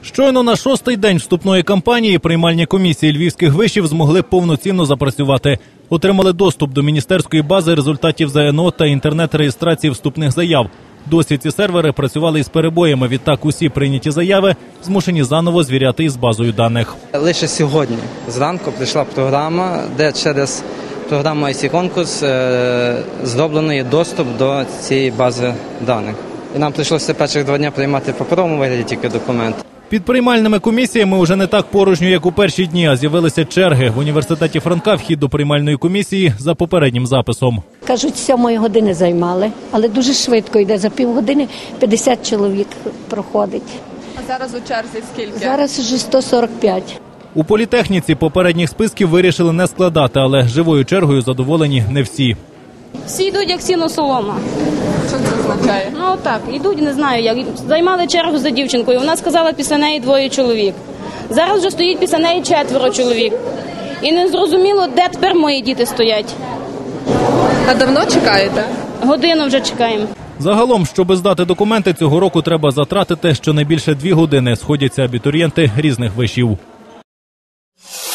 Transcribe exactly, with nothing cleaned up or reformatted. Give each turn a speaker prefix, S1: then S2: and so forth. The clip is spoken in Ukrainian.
S1: Щойно на шостий день вступної кампанії приймальні комісії львівських вишів змогли повноцінно запрацювати. Отримали доступ до міністерської бази результатів ЗНО та інтернет-реєстрації вступних заяв. Досі ці сервери працювали із перебоями, відтак усі прийняті заяви змушені заново звіряти із базою даних.
S2: Лише сьогодні зранку прийшла програма, де через програму ай сі конкурс зроблений доступ до цієї бази даних. І нам прийшлося перших два дні приймати в паперовому вигляді тільки документ.
S1: Під приймальними комісіями вже не так порожньо, як у перші дні, а з'явилися черги. В університеті Франка вхід до приймальної комісії за попереднім записом.
S3: Кажуть, сьомої години займали, але дуже швидко йде. За півгодини п'ятдесят чоловік проходить.
S4: А зараз у черзі скільки?
S3: Зараз вже сто сорок п'ять.
S1: У політехніці попередніх списків вирішили не складати, але живою чергою задоволені не всі.
S5: Всі йдуть, як сіно солома.
S4: Що це означає?
S5: Ну так, йдуть, не знаю, як. Займали чергу за дівчинкою, вона сказала, після неї двоє чоловік. Зараз вже стоїть після неї четверо чоловік. І не зрозуміло, де тепер мої діти стоять.
S4: А давно чекаєте?
S5: Годину вже чекаємо.
S1: Загалом, щоб здати документи, цього року треба затратити щонайбільше дві години. Сходяться абітурієнти різних вишів.